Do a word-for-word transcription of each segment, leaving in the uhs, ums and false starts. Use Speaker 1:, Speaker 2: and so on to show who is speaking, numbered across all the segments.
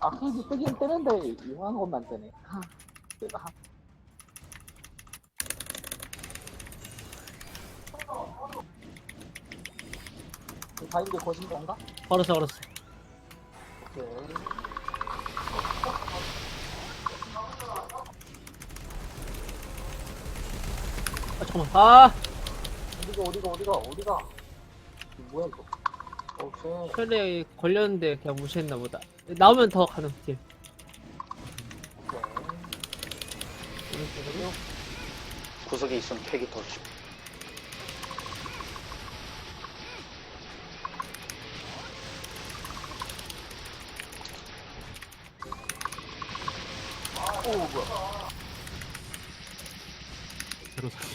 Speaker 1: 아케이드 뜨긴 뜨는데 이상한 것만 뜨네. 아, 뜨다. 바인드 거신 건가?
Speaker 2: 걸었어 걸었어.
Speaker 1: 오케이.
Speaker 2: 아 잠깐만. 아
Speaker 1: 어디가 어디가 어디가 어디가? 이거 뭐야 이거? 오케이.
Speaker 2: 혈에 걸렸는데 그냥 무시했나 보다. 나오면 더 가능 딜.
Speaker 1: 오케이.
Speaker 2: 오른쪽으로.
Speaker 3: 구석에 있으면 캐기 더 쉽.
Speaker 1: 오 뭐야?
Speaker 4: 제로 사기.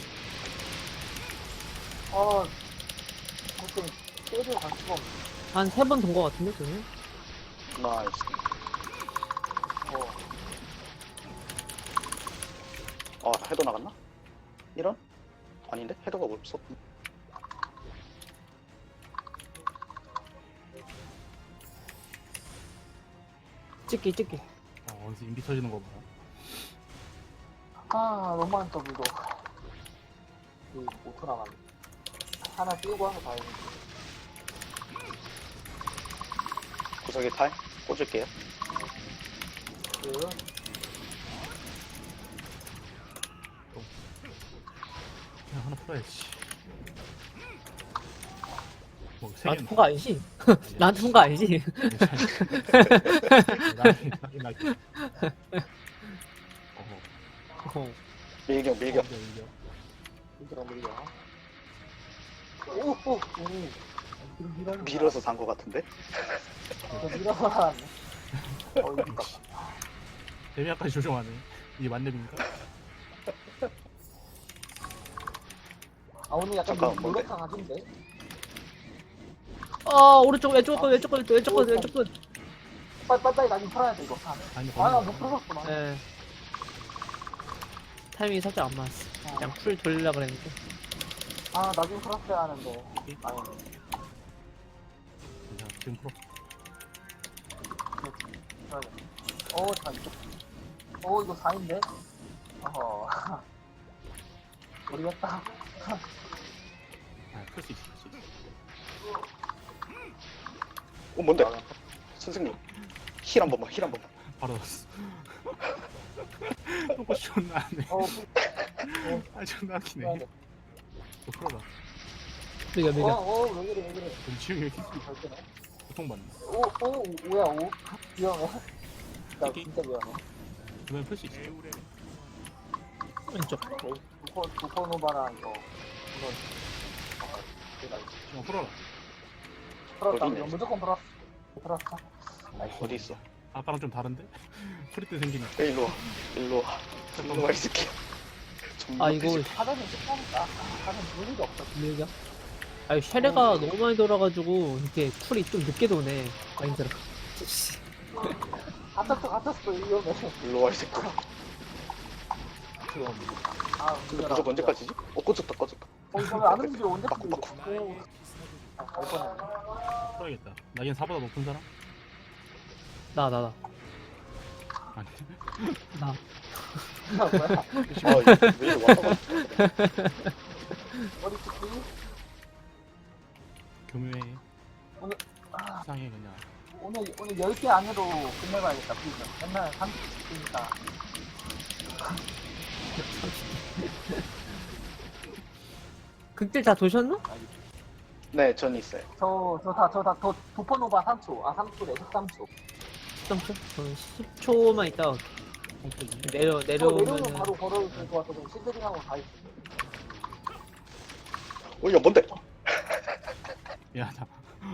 Speaker 1: 아, 하여튼 때리고 갈 수가 없네.
Speaker 2: 한 세 번 돈 거 같은데 저는.
Speaker 3: 나이스.
Speaker 1: 어.
Speaker 3: 아 해도 나갔나? 이런? 아닌데? 해도가 없어.
Speaker 2: 찍기 찍기.
Speaker 4: 어, 어디서 인비 터지는 거 봐요.
Speaker 1: 아, 너무 많다 이거. 이 오토 나갔네. 하나 띄우고 하나 봐야지.
Speaker 3: 구석에 탈 꽂을게요.
Speaker 1: 그
Speaker 4: 그냥 하나 풀어야지. 뭐, 세
Speaker 2: 나한테
Speaker 4: 개는
Speaker 2: 푼거 아니지? 나한테 푼거 아니지?
Speaker 4: 나긴 나긴 나긴. 어허.
Speaker 2: 어.
Speaker 3: 밀격 밀격.
Speaker 4: 밀겨, 밀겨.
Speaker 1: 밀어 밀어. 오, 오, 오. 밀어,
Speaker 3: 밀어서 산 거 같은데?
Speaker 1: 저 밀어서 나왔네. 어, 이거.
Speaker 4: 데미아까지 조정하네. 이게 만렙입니까?
Speaker 1: 아, 오늘 약간
Speaker 3: 잠깐만, 뭔데?
Speaker 1: 노력한 아닌데?
Speaker 2: 아 오른쪽 왼쪽 거 왼쪽 거 왼쪽 거 왼쪽 거.
Speaker 1: 빨리 빨리 빨리 나좀 풀어야 돼 이거. 아,
Speaker 4: 아니,
Speaker 1: 아, 나못 풀었어 나.
Speaker 2: 예. 타이밍이 살짝 안 맞았어.
Speaker 1: 아,
Speaker 2: 그냥 풀 돌리려고 그랬는데.
Speaker 1: 아, 나좀 풀었어야 하는데. 아니,
Speaker 4: 자, 지금 풀어.
Speaker 1: 풀어야겠네. 오, 잘 이거. 오, 이거 사인데? 어허. 모르겠다.
Speaker 4: 아, 풀 수 있어, 풀 수 있어.
Speaker 3: 어 뭔데? 선생님 힐 한 번만 힐 한 번만.
Speaker 4: 바로 넣었어. 또고 존나 하네.
Speaker 1: 어,
Speaker 4: 아, 존나 하기네.
Speaker 1: 풀어야겠다.
Speaker 4: 또 풀어봐.
Speaker 2: 밀겨
Speaker 1: 어,
Speaker 2: 밀겨.
Speaker 1: 어, 왜 그래, 왜 그래.
Speaker 4: 그럼 지금 왜 이렇게
Speaker 1: 잘 뜨네.
Speaker 4: 고통받네.
Speaker 1: 오, 오, 뭐야, 오. 위험해. 나 진짜 위험해.
Speaker 4: 그러면 풀 수 있어.
Speaker 2: 왼쪽.
Speaker 1: 오케이. 두퍼, 두퍼노바랑 이거. 이거. 어, 내가 이거.
Speaker 4: 지금 풀어라.
Speaker 1: 풀었다.
Speaker 3: 어디네?
Speaker 1: 이거 무조건 풀었어. 풀었어.
Speaker 3: 어디 있어?
Speaker 4: 아까랑 좀 다른데? 풀이 때 생기네.
Speaker 3: 야, 일로 와 일로 와 일로 와 이 새끼야.
Speaker 2: 아 이거
Speaker 1: 하자는 쉽다니까. 하자는 볼 일이 없어.
Speaker 2: 밀겨. 아니 쉐레가 너무 많이 돌아가지고 이렇게 쿨이 좀 늦게 도네. 아 힘들어.
Speaker 1: 갇혔어, 갇혔어. 위험해.
Speaker 3: 일로 와 이 새끼야.
Speaker 1: 아,
Speaker 3: 근데 부적 언제까지지? 어 꺼졌다 꺼졌다.
Speaker 1: 어, 이거 왜안 움직여? 언제
Speaker 3: 바꾸,
Speaker 1: 움직여?
Speaker 3: 바꾸.
Speaker 1: 오. 아, 갈 뻔했네.
Speaker 4: 풀어야겠다. 나긴 사보다 높은 사람?
Speaker 2: 나 나 나.
Speaker 4: 아니.
Speaker 2: 나.
Speaker 1: 야, 뭐야?
Speaker 3: 아 이거 왜 이리 왔다 갔다.
Speaker 1: 머리 찍기?
Speaker 4: 교묘해.
Speaker 1: 오늘, 아,
Speaker 4: 이상해, 그냥.
Speaker 1: 오늘, 오늘 열 개 안 해도 끝내봐야겠다, 프리즌. 맨날 삼십 개니까.
Speaker 2: 극딜 다 도셨나?
Speaker 3: 네, 전 있어요.
Speaker 1: 저, 저 다, 저 다, 더, 도퍼노바 삼 초. 아, 삼 초래, 십삼 초.
Speaker 2: 십삼 초? 저는 십 초만 있다가
Speaker 4: 홈페이지.
Speaker 2: 내려
Speaker 1: 저 내려오면
Speaker 2: 내려오면은
Speaker 1: 바로 걸어도 될 것 같아서 실드링하고 다 있어.
Speaker 3: 어, 야 뭔데?
Speaker 4: 미안하다.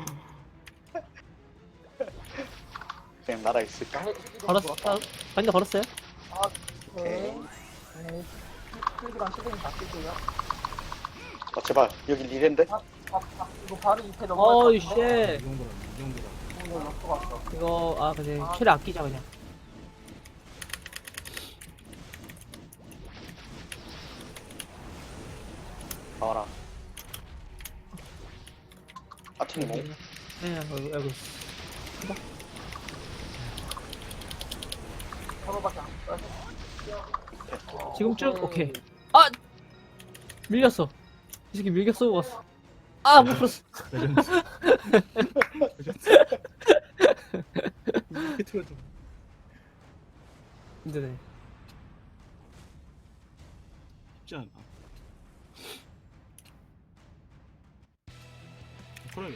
Speaker 3: 그냥 날아 있을까?
Speaker 2: 걸었어. 반대 걸었어요?
Speaker 1: 아, 네. 네. 실드랑 실드링 다 쓸게요.
Speaker 3: 아 제발 여기 리랜데?
Speaker 1: 아, 아, 아, 이거 바로 이패 넘어갈 것
Speaker 2: 어이
Speaker 1: 같은데?
Speaker 2: 쉣.
Speaker 4: 이 정도라, 이 정도라.
Speaker 1: 어, 이거 럭커 갔어.
Speaker 2: 이거 아 그냥 쉐레 아끼자 그냥.
Speaker 3: 나와라. 아팀 뭐?
Speaker 2: 네, 여기 여기.
Speaker 1: 서로밖에 안 써.
Speaker 2: 지금 쭉 오케이. 아 밀렸어. 이 새끼 밀겨 쏘고 갔어. 아 못 풀었어.
Speaker 4: 레전드. 레전드. 이렇게 틀어줘.
Speaker 2: 힘드네.
Speaker 4: 쉽지 않아. 그래.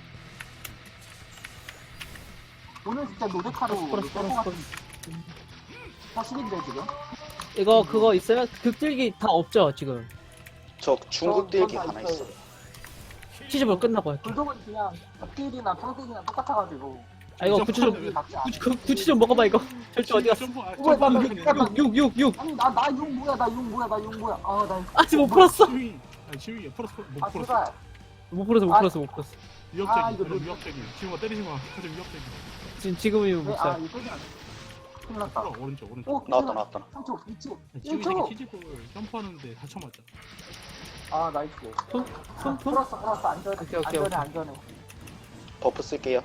Speaker 1: 오늘 진짜 노데카로
Speaker 2: 풀었어 풀었어 풀었어.
Speaker 1: 사실인데 지금?
Speaker 2: 이거 그거 있어요? 극딜기 다 없죠 지금.
Speaker 3: 저 중국 딜기
Speaker 1: 전- 전
Speaker 3: 하나
Speaker 1: 다
Speaker 3: 있어.
Speaker 2: 시즈볼 끝나고 할게.
Speaker 1: 불독은 그냥 덕딜이나 평딜이랑 똑같아가지고.
Speaker 2: 아 이거
Speaker 4: 점프
Speaker 2: 구치 좀
Speaker 4: 하면
Speaker 1: 맞지 않아.
Speaker 2: 구치 그 구치 좀 먹어봐 이거. 절대 어디 갔어?
Speaker 4: 점프, 아,
Speaker 1: 뭐야, 나-
Speaker 4: 점프하면
Speaker 1: 나-
Speaker 4: 그냥
Speaker 2: 육 육 육 육.
Speaker 1: 아니 나 나 용 뭐야 나 용 뭐야 나 용 뭐야 아나
Speaker 2: 아직 못 풀었어.
Speaker 4: 지휘. 아니 지휘 풀었어. 못
Speaker 1: 아
Speaker 4: 풀었어.
Speaker 1: 제발
Speaker 2: 못 풀었어 못
Speaker 1: 아.
Speaker 2: 풀었어 못 풀었어.
Speaker 1: 아,
Speaker 4: 위협적이.
Speaker 1: 이거
Speaker 4: 그래
Speaker 1: 뭐-
Speaker 4: 위협적이. 지휘가 때리지 마. 가장 위협적이.
Speaker 2: 지금 지금이면 못
Speaker 1: 아
Speaker 2: 살.
Speaker 1: 이거 소리야 큰일 났다
Speaker 4: 풀어 오른쪽 오른쪽.
Speaker 1: 오
Speaker 3: 나왔다 나왔다.
Speaker 1: 삼 초 이 초
Speaker 4: 지휘
Speaker 1: 일 초
Speaker 4: 새끼 치즈볼 점프하는데 다쳐 맞자.
Speaker 1: 아 나이스
Speaker 2: 손? 손? 손?
Speaker 1: 풀었어 풀었어 안전해
Speaker 2: 오케이, 오케이,
Speaker 1: 안전해
Speaker 2: 오케이.
Speaker 1: 안전해
Speaker 3: 버프 쓸게요.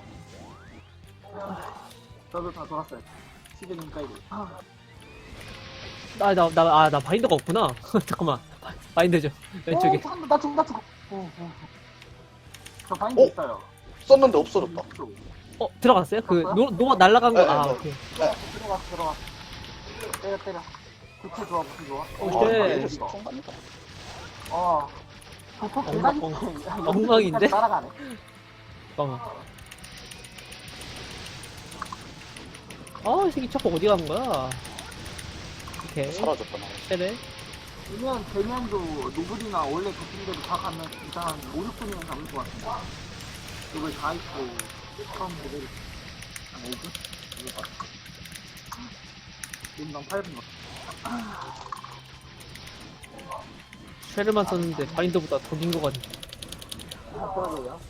Speaker 1: 저도 다 돌았어요 시즌이니까 이거 아,
Speaker 2: 아나나아나 바인더가 없구나. 잠깐만. 바인더 좀 왼쪽에.
Speaker 1: 오, 잠깐만 나 죽어 나 죽어 오, 오. 저 바인드
Speaker 3: 오!
Speaker 1: 있어요
Speaker 3: 썼는데 없어졌다.
Speaker 2: 어 들어갔어요? 그 노 노 날라간 거.
Speaker 3: 네,
Speaker 2: 아
Speaker 3: 네.
Speaker 2: 오케이.
Speaker 1: 들어갔어 들어갔어 때려 때려 구체 좋아 구체 좋아
Speaker 2: 오,
Speaker 3: 아,
Speaker 2: 네.
Speaker 3: 얘들 성공합니다.
Speaker 1: 어 보통
Speaker 2: 엉망-
Speaker 1: 계단이
Speaker 2: 엉- 엉망인데?
Speaker 1: 따라가네
Speaker 2: 잠깐만. 아이 새끼 자꾸 어디 간 거야? 오케이.
Speaker 3: 사라졌다 나.
Speaker 2: 세네.
Speaker 1: 되면 되면도 노블이나 원래 같은 데로 다 가면 일단 한 오, 육 분이면 잡을 것 같은데 노블 다 있고 처음 모델 한 오 분? 이거 봐 인당 팔 분
Speaker 2: 쉐르만 썼는데 바인더보다 더 긴 거 같네.
Speaker 1: 아, 그러게요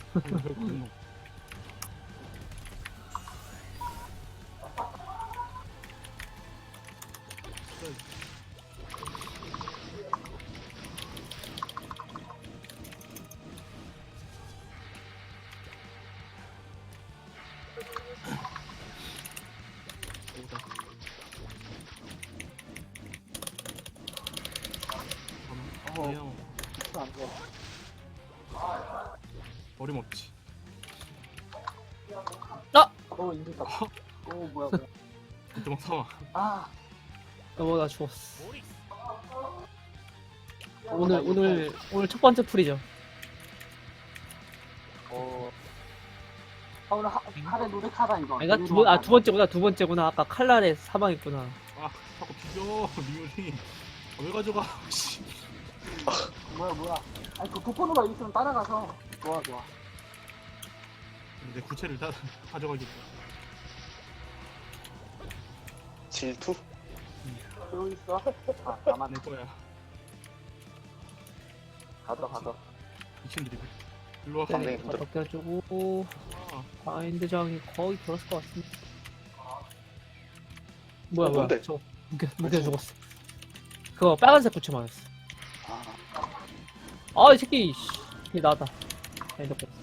Speaker 4: 그냥
Speaker 1: 안돼
Speaker 4: 어림없지.
Speaker 1: 오 인기다 오 뭐야 뭐야
Speaker 4: 도망 사와.
Speaker 1: 아
Speaker 2: 여보 나 죽었어. 오늘 오늘 오늘 첫 번째 풀이죠.
Speaker 1: 어 아, 오늘 하, 하루에 노력하다 이거
Speaker 2: 아니 두 번 아 두 번째구나 두 번째구나. 아까 칼날에 사망했구나.
Speaker 4: 아 자꾸 비벼 리온이. 아, 왜 가져가? 씨.
Speaker 1: 뭐야 뭐야 아니 그 도포노가 있으면 따라가서 좋아 좋아
Speaker 4: 내 구체를 다 가져가겠다.
Speaker 3: 질투?
Speaker 1: 그러고 있어 아 나만
Speaker 4: 내 거야.
Speaker 1: 가져 가져
Speaker 4: 미친 드리블. 일로 와.
Speaker 2: 네,
Speaker 3: 방맹이 힘들어.
Speaker 2: 벗겨주고
Speaker 4: 아,
Speaker 2: 바인드장이 거의 들었을 것 같습니다. 뭐야
Speaker 3: 어,
Speaker 2: 뭐야
Speaker 3: 뭔데?
Speaker 2: 저 묶여 묶여 죽었어. 그거 빨간색 부츠 맞았어.
Speaker 3: 아,
Speaker 2: 아 이 새끼 씨. 이 나다. 바인더 뺐어.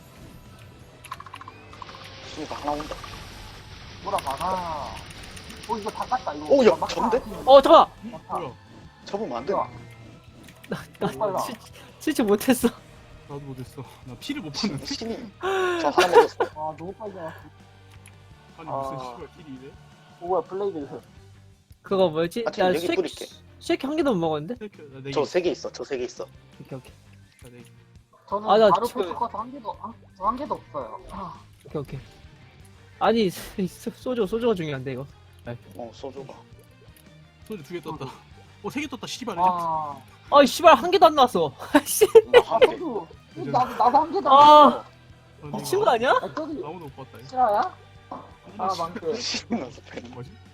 Speaker 3: 순이가 하나 온다.
Speaker 1: 뭐라 막아 오 이거 다 깠다 이거
Speaker 3: 오, 야,
Speaker 1: 막다.
Speaker 3: 전데?
Speaker 2: 어 잠깐.
Speaker 1: 막다.
Speaker 4: 뭐야?
Speaker 3: 잡으면 안 돼.
Speaker 1: 뭐야 너무 빨라
Speaker 2: 실제 못했어.
Speaker 4: 나도 못했어. 나 피를 못 봤는데.
Speaker 3: 신이 저 하나 먹었어.
Speaker 1: 아 너무 빨리 나왔어
Speaker 4: 아니
Speaker 1: 아.
Speaker 4: 무슨 씨발 킬이 이래?
Speaker 1: 오 뭐야 블레이드
Speaker 2: 그거 뭐였지?
Speaker 3: 아, 지금
Speaker 2: 나
Speaker 3: 여기
Speaker 2: 쉐이크
Speaker 3: 뿌릴게.
Speaker 2: 쉐이크 한 개도 못 먹었는데?
Speaker 4: 셀프 나네 개.
Speaker 3: 저 세 개 있어. 저 세 개 있어.
Speaker 2: 오케이 오케이
Speaker 4: 나네 개.
Speaker 1: 저는
Speaker 2: 아, 나
Speaker 1: 바로
Speaker 2: 지금-
Speaker 1: 포트 커서 한 개도 한, 저한 개도 없어요 아,
Speaker 2: 오케이 오케이. 아니 소- 소주 소주가 중요한데 이거.
Speaker 3: 어, 소주가.
Speaker 4: 소주 두 개 떴다. 어 세 개 떴다. 씨발.
Speaker 1: 아,
Speaker 2: 아이 씨발 한 개도 안 나왔어. 씨
Speaker 1: 아 저도 나도 나도 한 개도
Speaker 2: 아.
Speaker 1: 안 했어
Speaker 2: 미친 거 아니야?
Speaker 1: 아 저기
Speaker 4: 아무도 못 봤다.
Speaker 1: 실화야? 아 망게
Speaker 3: 신이 나서 배.
Speaker 4: 뭐지?